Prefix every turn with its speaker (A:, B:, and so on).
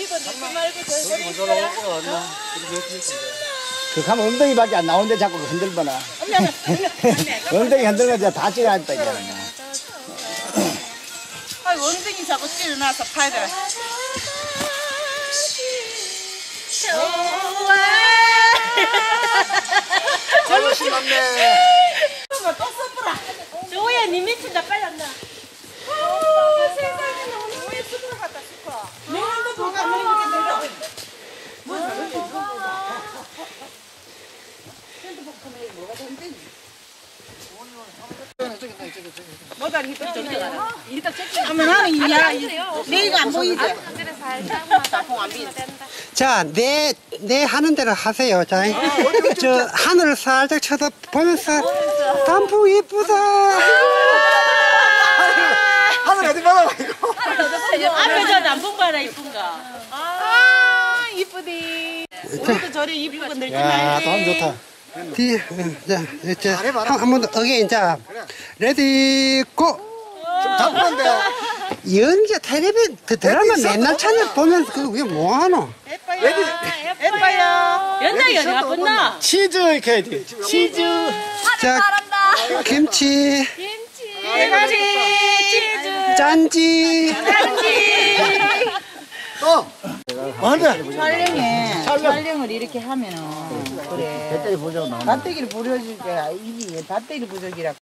A: 피부 넣지 말고 저기
B: 그 가면 엉덩이밖에 안 나오는데 자꾸 흔들거나. 엉덩이 흔들면 다 찍어야 했다.
A: 아, 원등이 자꾸 찌르나서 팔을.
B: 아유 신났네.
A: 또 써보라.
C: 조우야, 니 밑에 나 빨리 왔나?
A: 세상에 너무 왜 쑥을 갖다 싶어. 내가 한번 보고 안 먹는 게
D: 자, 내 하는 대로 하세요. 자, 저 하늘을 살짝 쳐다보면서 단풍 이쁘다.
B: 하늘 어디 봐라 이거.
C: 앞에 저 남풍 봐라, 이쁜가?
A: 아, 이쁘디. 우리도 저리 이쁜 거 늙지
B: 야,
A: 말지.
B: 돈 좋다.
D: 자, 한 번 더, 어게인. 자, 레디, 고!
B: 좀 잡는데.
D: 연기 텔레비, 그 드라마 맨날 찾아 보면 그게 뭐하노?
A: 예뻐요. 예뻐요.
C: 연락이 어디 갔구나?
B: 치즈 이렇게 해야 돼. 치즈.
D: 자, 김치,
A: 대가리. 치즈.
D: 짠지.
B: 또. 맞아.
A: 촬영을 이렇게 하면은 그래.
B: 배터리 보자고 나온다.
A: 배때기를 부려줄 때 이게 배때기 부족이라.